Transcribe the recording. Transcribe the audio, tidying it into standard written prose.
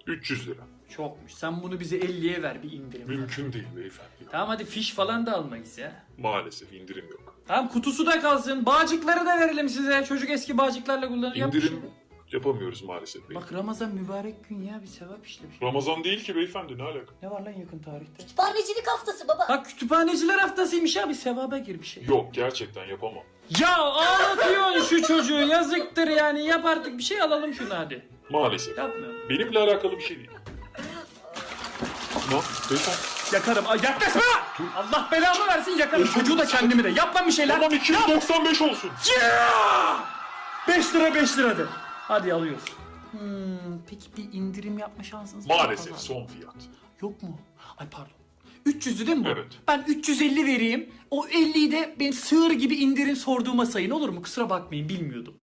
300 lira. Çokmuş. Sen bunu bize 50'ye ver bir indirim. Mümkün değil beyefendi. Tamam hadi fiş falan da almayız ya. Maalesef indirim yok. Tamam kutusu da kalsın. Bağcıkları da verelim size. Çocuk eski bağcıklarla kullanır. Yap bir şey. İndirim yapamıyoruz maalesef bey. Bak Ramazan mübarek gün ya, bir sevap işlemiş. Ramazan değil ki beyefendi, ne alaka? Ne var lan yakın tarihte? Kütüphanecilik haftası baba. Bak kütüphaneciler haftasıymış ya, bir sevaba gir bir şey. Yok, gerçekten yapamam. Ya ağlatıyorsun şu çocuğu, yazıktır yani, yap artık bir şey, alalım şunu hadi. Maalesef. Yapmıyorum. Benimle alakalı bir şey değil. Ne? Beyefendi. Yakarım. Ay yaklaşma! Allah belamı versin, yakarım. Çocuğu da kendimi de. Yap lan bir şeyler. Tamam 295 olsun. 5 lira 5 lira de. Hadi alıyoruz. Peki bir indirim yapma şansınız var mı? Maalesef Pazar? son fiyat. Yok mu? Ay pardon. 300'ü değil mi bu? Evet. Ben 350 vereyim. O 50'yi de benim sığır gibi indirim sorduğuma sayın, olur mu? Kusura bakmayın, bilmiyordum.